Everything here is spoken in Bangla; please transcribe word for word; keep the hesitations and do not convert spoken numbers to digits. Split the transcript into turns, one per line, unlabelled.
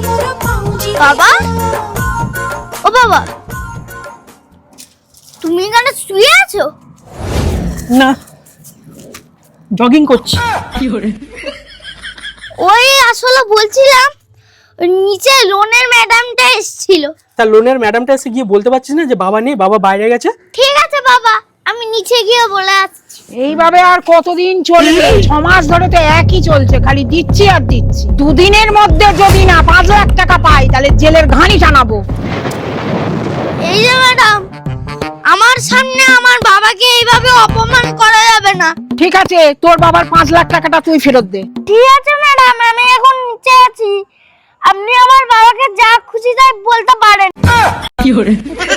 বাবা, ও বাবা, তুমি এখানে শুয়ে আছো?
না, জগিং করছি।
ওই আসলে বলছিলাম, নিচে লোনের ম্যাডামটা এসেছিল।
তা লোনের ম্যাডামটা এসে গিয়ে বলতে পারছিস না যে বাবা নেই, বাবা বাইরে গেছে?
ঠিক আছে বাবা, আমি নিচে গিয়ে বলে আসছি।
এইভাবে আর কতদিন চলবে? ছ মাস ধরে তো একই চলছে, খালি দিচ্ছি আর দিচ্ছি। দুদিনের মধ্যে যদি না পাঁচ লাখ টাকা পাই তাহলে জেলের ঘানি টানাবো।
এই যে ম্যাডাম, আমার সামনে আমার বাবাকে এইভাবে অপমান করা যাবে না।
ঠিক আছে, তোর বাবার পাঁচ লাখ টাকাটা তুই ফেরত দে।
ঠিক আছে ম্যাডাম, আমি এখন নিচে আছি, আপনি আমার বাবাকে যা খুশি তাই বলতে পারেন।